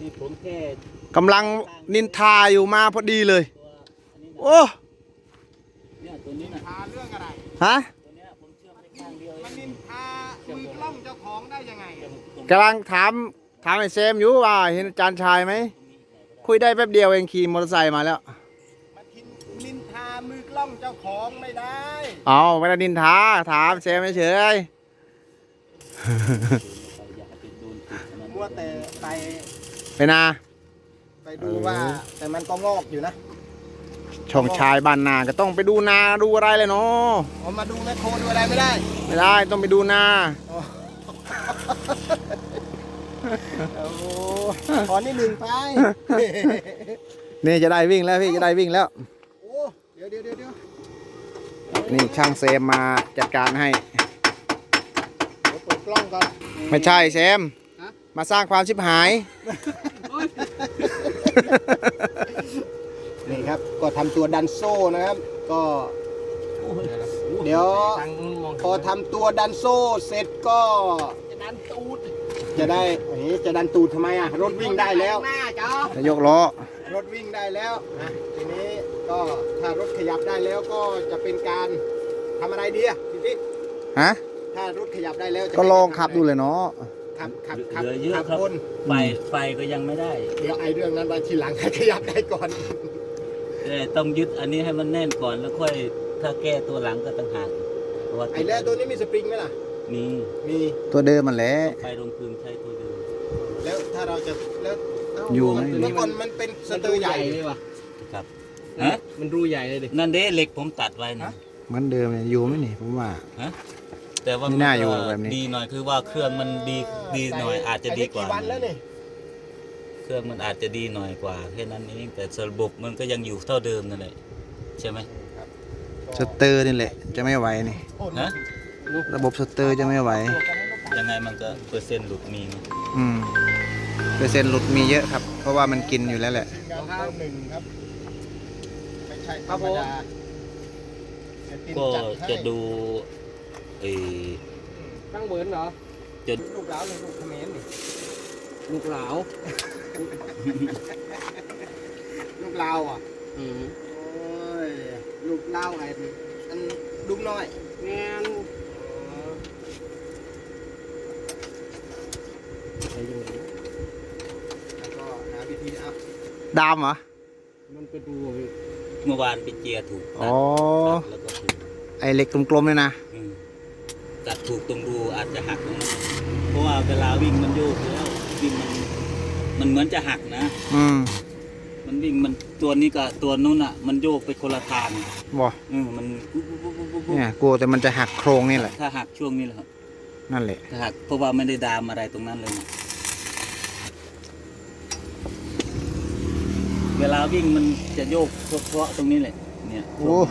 ผมแค่กำลังนินทาอยู่มาพอดีเลยโอ้เนี่ยตัวนี้นะทาเรื่องอะไรฮะตัวเนี้ยผมเชื่อมได้ข้างเดียวมันนินทามือกล้องเจ้าของได้ยังไงกำลังถามไอ้เซมอยู่ว่าเห็นอาจารย์ชายไหมคุยได้แป๊บเดียวเองขี่มอเตอร์ไซค์มาแล้วมันนินทามือกล้องเจ้าของไม่ได้เอาไม่ได้นินทาถามเซมเฉยมัวแต่ไปนาไปดูว่าแต่มันก็งอกอยู่นะช่องชายบ้านนาก็ต้องไปดูนาดูอะไรเลยเนาะเอามาดูแมคโครดูอะไรไม่ได้ต้องไปดูนาขอนิดหนึ่งไปนี่จะได้วิ่งแล้วพี่จะได้วิ่งแล้วโอ้เดี๋ยวนี่ช่างเซมมาจัดการให้เปิดกล้องก่อนไม่ใช่เซมมาสร้างความชิบหายนี่ครับก็ทำตัวดันโซ่นะครับก็เดี๋ยวพอทำตัวดันโซ่เสร็จก็จะดันตูดจะดันตูดทำไมอ่ะรถวิ่งได้แล้วจะยกล้อรถวิ่งได้แล้วทีนี้ก็ถ้ารถขยับได้แล้วก็จะเป็นการทำอะไรดีอ่ะพี่ฮะถ้ารถขยับได้แล้วก็ลองขับดูเลยเนาะขับเยอะครับไฟก็ยังไม่ได้เดี๋ยวไอ้เรื่องนั้นไว้ทีหลังให้ขยับได้ก่อนต้องยึดอันนี้ให้มันแน่นก่อนแล้วค่อยถ้าแก้ตัวหลังก็ต่างหากไอ้แล้วตัวนี้มีสปริงไหมล่ะมีตัวเดิมมันแหละไปลงคืนใช้ตัวเดิมแล้วถ้าเราจะแล้วอยู่ไหมเมื่อก่อนมันเป็นสเตอร์ใหญ่เลยวะครับมันรูใหญ่เลยดินั่นเด้เหล็กผมตัดไว้นะเหมือนเดิมเลยอยู่ไหมนี่ผมว่าแต่ว่าไม่น่าอยู่แบบนี้ดีหน่อยคือว่าเครื่องมันดีหน่อยอาจจะดีกว่าเครื่องมันอาจจะดีหน่อยกว่าแค่นั้นเองแต่ระบบมันก็ยังอยู่เท่าเดิมนั่นแหละใช่ไหมสเตอร์นี่แหละจะไม่ไหวนี่ระบบสเตอร์จะไม่ไหวยังไงมันก็เปอร์เซ็นต์หลุดมีเปอร์เซ็นต์หลุดมีเยอะครับเพราะว่ามันกินอยู่แล้วแหละครับไม่ใช่ธรรมดาก็จะดูตั้งเหมือนเหรอจะลูกหลาวหรือลูกเขมรนี่ลูกหลาวลูกลาวอ่ะโอ้ยลูกลาวไอ้อันดุมน้อยแง่นแล้วก็หาวิธีอัพดามเหรอมันไปดูเมื่อวานไปเจียถูกแล้วก็ถูกไอเหล็กกลมๆเลยนะตัดถูกตรงรูอาจจะหักตรงนั้นเพราะว่าเวลาวิ่งมันโยกแล้ววิ่งมันเหมือนจะหักนะมันวิ่งมันตัวนี้กับตัวนู้นอ่ะมันโยกไปคนละทางบ่มันเนี่ยกลัวแต่มันจะหักโครงนี่แหละถ้าหักช่วงนี้แหละครับนั่นแหละถ้าหักเพราะว่าไม่ได้ดามอะไรตรงนั้นเลยเวลาวิ่งมันจะโยกเพราะตรงนี้แหละเนี่ย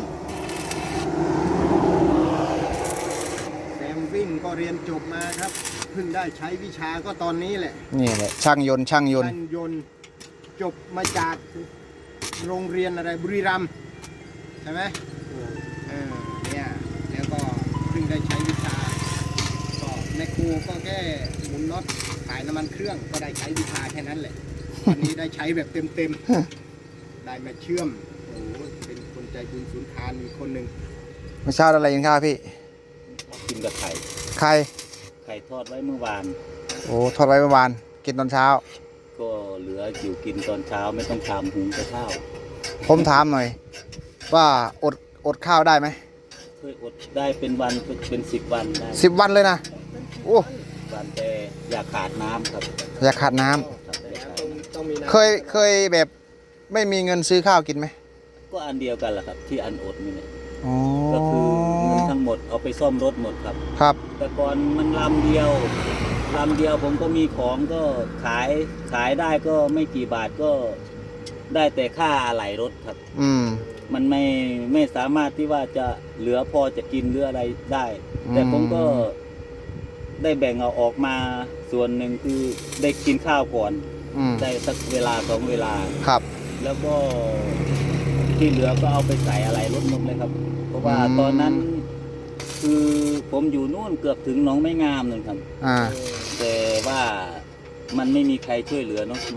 วิ่งก็เรียนจบมาครับเพิ่งได้ใช้วิชาก็ตอนนี้แหละนี่แหละช่างยนต์จบมาจากโรงเรียนอะไรบุรีรัมย์ใช่ไหมเนี่ยแล้วก็เพิ่งได้ใช้วิชาก็ในครูก็แค่หมุนน็อตถ่ายน้ำมันเครื่องก็ได้ใช้วิชาแค่นั้นแหละวันนี้ได้ใช้แบบเต็มได้มาเชื่อมโอ้เป็นคนใจบุญสุนทานอีกคนหนึ่งไม่ทราบอะไรยังครับพี่กินกับไข่ทอดไว้เมื่อวานโอ้ทอดไว้เมื่อวานกินตอนเช้าก็เหลืออยู่กินตอนเช้าไม่ต้องทำหุงข้าวผมถามหน่อยว่าอดข้าวได้ไหมเคยอดได้เป็นวันเป็น10 วันได้ 10 วันเลยนะโอ้วันแต่อยากขาดน้ำครับอยากขาดน้ำเคยแบบไม่มีเงินซื้อข้าวกินไหมก็อันเดียวกันแหละครับที่อันอดนี่แหละก็คือเงินทั้งหมดเอาไปซ่อมรถหมดครับแต่ก่อนมันลำเดียวผมก็มีของก็ขายได้ก็ไม่กี่บาทก็ได้แต่ค่าอะไหล่รถครับมันไม่สามารถที่ว่าจะเหลือพอจะกินหรืออะไรได้แต่ผมก็ได้แบ่งเอาออกมาส่วนหนึ่งคือได้กินข้าวก่อนได้สักเวลา2 เวลาครับแล้วก็ที่เหลือก็เอาไปใส่อะไรรถหมดเลยครับเพราะว่าตอนนั้นคือผมอยู่นู่นเกือบถึงหนองไม้งามนั่นครับแต่ว่ามันไม่มีใครช่วยเหลือเนาะมัน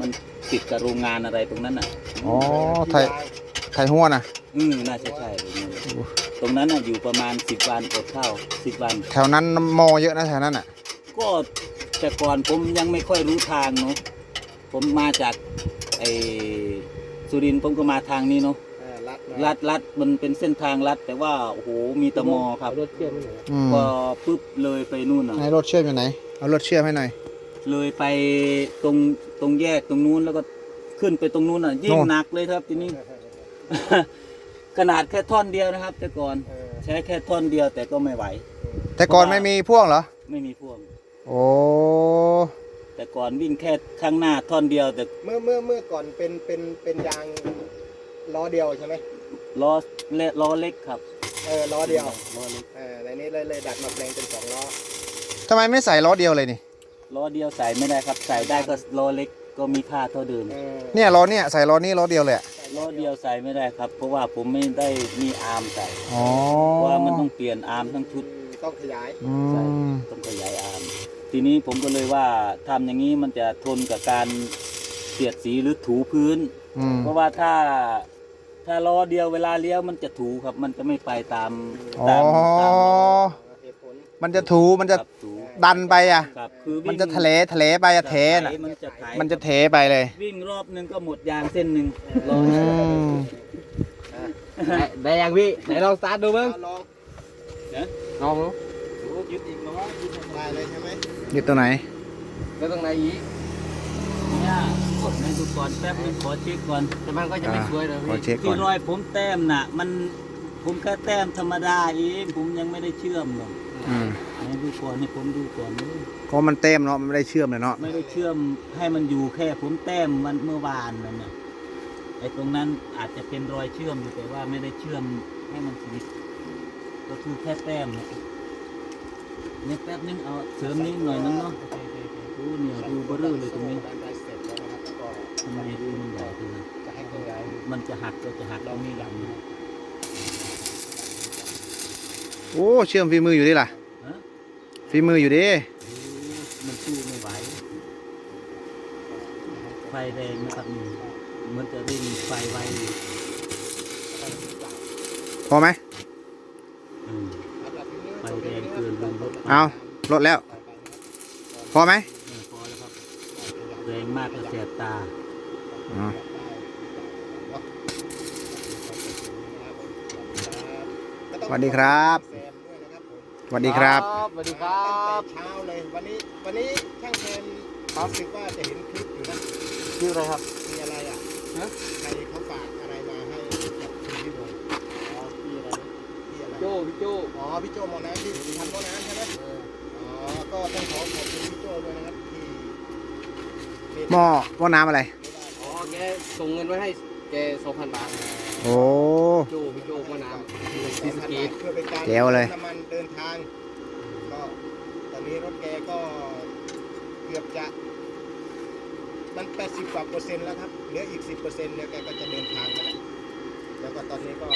ติดกับโรงงานอะไรตรงนั้นน่ะอ๋อไทยหัวนะน่าจะใช่เลยตรงนั้นน่ะอยู่ประมาณ10 วันอดข้าว10 วันแถวนั้นมอเยอะนะแถวนั้นอ่ะก็แต่ก่อนผมยังไม่ค่อยรู้ทางเนาะผมมาจากไอ้สุรินทร์ผมก็มาทางนี้เนาะ ลัดมันเป็นเส้นทางลัดแต่ว่าโอ้โหมีตะมอครับรถเชื่อมพอปุ๊บเลยไปนู่นน่ะไหนรถเชื่อมอยู่ไหนเอารถเชื่อมให้หน่อยเลยไปตรงแยกตรงนู้นแล้วก็ขึ้นไปตรงนู้นน่ะยิ่งหนักเลยครับทีนี้ ขนาดแค่ท่อนเดียวนะครับ แต่ก่อนใช้แค่ท่อนเดียวแต่ก็ไม่ไหวแต่ก่อนไม่มีพ่วงเหรอไม่มีพ่วงโอ้แต่ก่อนวิ่งแค่ข้างหน้าท่อนเดียวแต่เมื่อก่อนเป็นยางล้อเดียวใช่ไหมล้อเล็กครับล้อเดียวล้อเล็กในนี้เลยดัดมาแปลงเป็น2 ล้อทำไมไม่ใส่ล้อเดียวเลยนี่ล้อเดียวใส่ไม่ได้ครับ ใส่ได้ก็ล้อเล็กก็มีค่าเท่าเดิมเนี่ยล้อเนี่ยใส่ล้อนี้ล้อเดียวเลยอะล้อเดียวใส่ไม่ได้ครับ เพราะว่าผมไม่ได้มีอาร์มใส่อ๋อเพราะว่ามันต้องเปลี่ยนอาร์มทั้งชุดต้องขยายอืใช่มต้องขยายอาร์มทีนี้ผมก็เลยว่าทำอย่างนี้มันจะทนกับการเสียดสีหรือถูพื้นอืมเพราะว่าถ้าล้อเดียวเวลาเลี้ยวมันจะถูครับ มันจะไม่ไปตามอ๋อตามเหตุผลมันจะถูมันจะครับถูดันไปอ่ะครับคือวิ่งมันจะทะเลไปอะเทน่ะมันจะไถมันจะเทไปเลยวิ่งรอบนึงก็หมดยางเส้นหนึ่งล้ออืมได้ยังพี่ไหนลองสตาร์ทดูบ้างลองลองดูโอ้ยึดอีกแล้วยึดได้เลยใช่ไหมอยู่ตัวไหนแล้วตรงไหนอีกเนี่ยกดในดูก่อนแป๊บนึงขอเช็คก่อนแต่มันก็จะไม่สวยเลยขอพี่เช็คก่ที่อนรอยผมแต้มน่ะ ผมแค่แต้มธรรมดาเองผมยังไม่ได้เชื่อมหรอกอืมให้ดูก่อนให้ผมดูก่อนเลยเพราะมันเต็มเนาะมันไม่ได้เชื่อมเลยเนาะไม่ได้เชื่อมให้มันอยู่แค่ผมแต้มวันเมื่อวานนั่นน่ะไอ้ตรงนั้นอาจจะเป็นรอยเชื่อมอยู่แต่ว่าไม่ได้เชื่อมให้มันสนิทก็คือแค่แต้มเนี่ยเนี่ยแป๊บนึงเอาเสริมนิดหน่อยนึงเนาะดูเนี่ยดูเบอร์เลยตรงนี้ด้านใดเสร็จแล้วนะครับก็ทำไมดูมันใหญ่จังเลยจะให้ขยายมันจะหักก็จะหักตรงนี้ดำนะโอ้เชื่อมฝีมืออยู่ดิล่ะฮะฝีมืออยู่ดิมันสู้ไม่ไหวไฟแรงนะครับนี่มันจะเร่งไฟไวอยู่พอไหมอืมไฟแรงเกินลงรถเอาลดแล้ว พอไหมพอแล้วครับแรงมากก็แสบตาอ๋อสวัสดีครับแซมด้วยนะครับผมสวัสดีครับสวัสดีครับตั้งแต่เช้าเลยวันนี้ช่างแซมรู้สึกว่าจะเห็นคลิปอยู่นะชื่ออะไรครับมีอะไรอ่ะฮะใครเขาฝากอะไรมาให้กับคุณพี่บงอ๋อพี่อะไรนะพี่อะไรโจพี่โจอ๋อพี่โจหมอน้ำที่ทำหมอน้ำใช่ไหมอ๋อก็ต้องขอบคุณพี่โจด้วยนะครับที่เมตหม้อน้ำอะไรอ๋อแกส่งเงินไว้ให้แก 2,000 บาทโอ้โจพี่โจมาน้ำที่ที่สสกีกีเพื่อเป็นการแจ๋วเลยน้ำมันเดินทางก็ตอนนี้รถแกก็เกือบจะมัน80 กว่า%แล้วครับเหลืออีก 10%เนี่ยแกก็จะเดินทางมาแล้วแล้วก็ตอนนี้ก็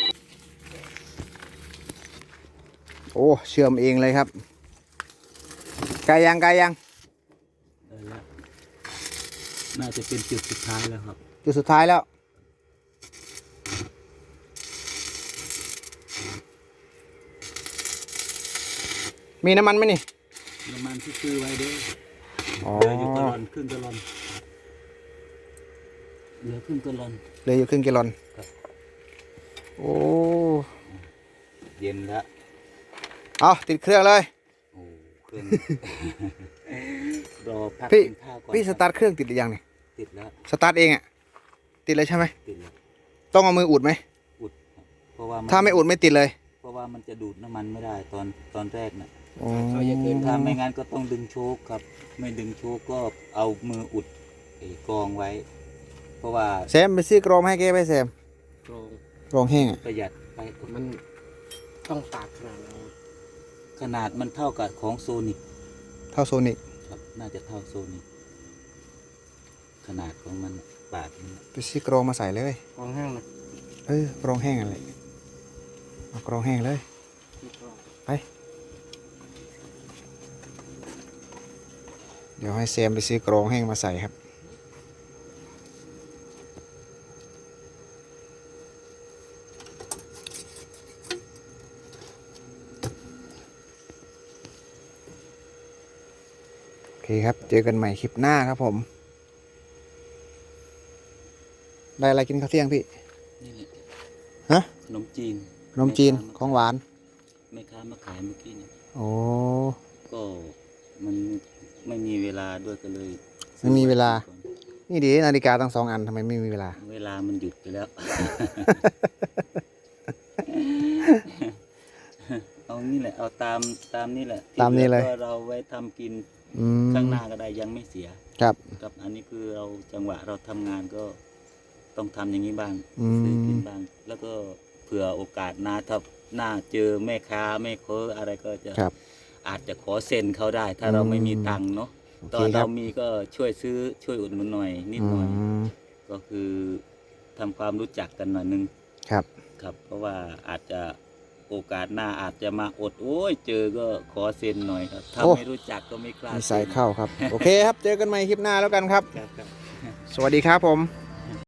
โอ้เชื่อมเองเลยครับไกลยังได้แล้วน่าจะเป็นจุดสุดท้ายแล้วครับจุดสุดท้ายแล้ว มีน้ำมันไหมนี่น้ำมันที่ซื้อไว้เด้ออ๋อเหลืออยู่กะลอนครึ่งกะลอนเหลือครึ่งกะลอนเหลยอยู่ครึ่งแกลลอนครับโอ้เย็นแล้วเอาติดเครื่องเลยโอ้เครื่อง รอพักพี่กินข้าวก่อนพี่สตาร์ทเครื่องติดหรือยังเนี่ยติดแล้วสตาร์ทเองอะติดเลยใช่ไหมติดแล้วต้องเอามืออุดไหมอุดครับเพราะว่ามันถ้าไม่อุดไม่ติดเลยเพราะว่ามันจะดูดน้ำมันไม่ได้ตอนแรกน่ะอ๋อถ้าไม่งั้นก็ต้องดึงโชคครับ ไม่ดึงโชคก็เอามืออุดไอ้กรองไว้ เพราะว่าแซมไปซื้อกรองมาให้แกไปแซมโรงกรองแห้งอะประหยัดไปมันต้องตากขนาดไหนขนาดมันเท่ากับของโซนิกเท่าโซนิกครับ น่าจะเท่าโซนิกขนาดของมันปาดมันไปซื้อกรองมาใส่เลยกองห้างนะกรองแห้งอะไรเอากรองแห้งเลย ไป เดี๋ยวให้แซมไปซื้อกรองแห้งมาใส่ครับเคครับ เจอกันใหม่คลิปหน้าครับผม ได้อะไรกินข้าวเที่ยงพี่นี่แหละฮะขนมจีนขนมจีนของหวานแม่ค้ามาขายเมื่อกี้เนี่ยโอ้ก็มันไม่มีเวลาด้วยก็เลยไม่มีเวลา นี่ดีนาฬิกาตั้ง2 อันทำไมไม่มีเวลาเวลามันหยุดไปแล้ว เอานี่แหละ เอาตามนี่แหละตามนี้เลยที่หอก็เราไว้ทำกินอืมข้างหน้าก็ได้ยังไม่เสียครับกับอันนี้คือเราจังหวะเราทำงานก็ต้องทำอย่างนี้บ้างอืมซื้อกินบ้าง แล้วก็เผื่อโอกาสหน้าถ้าหน้าเจอแม่ค้าแม่ค้าอะไรก็จะครับอาจจะขอเซ็นเขาได้ ถ้าเราไม่มีตังค์เนาะโอตเคอนครัเราบมีก็ช่วยซื้อช่วยอุดหนุนหน่อยนิดหน่อยมก็คือทำความรู้จักกันหน่อยนึงครับครับ เพราะว่าอาจจะโอกาสหน้าอาจจะมาอดโอ้ยเจอก็ขอเซ็นหน่อยครับถ้าโอ้ไม่รู้จักก็ไม่กล้ามีซ็นสายเข้าครับ โอเคครับ เจอกันใหม่คลิปหน้าแล้วกันครับครับสวัสดีครับผม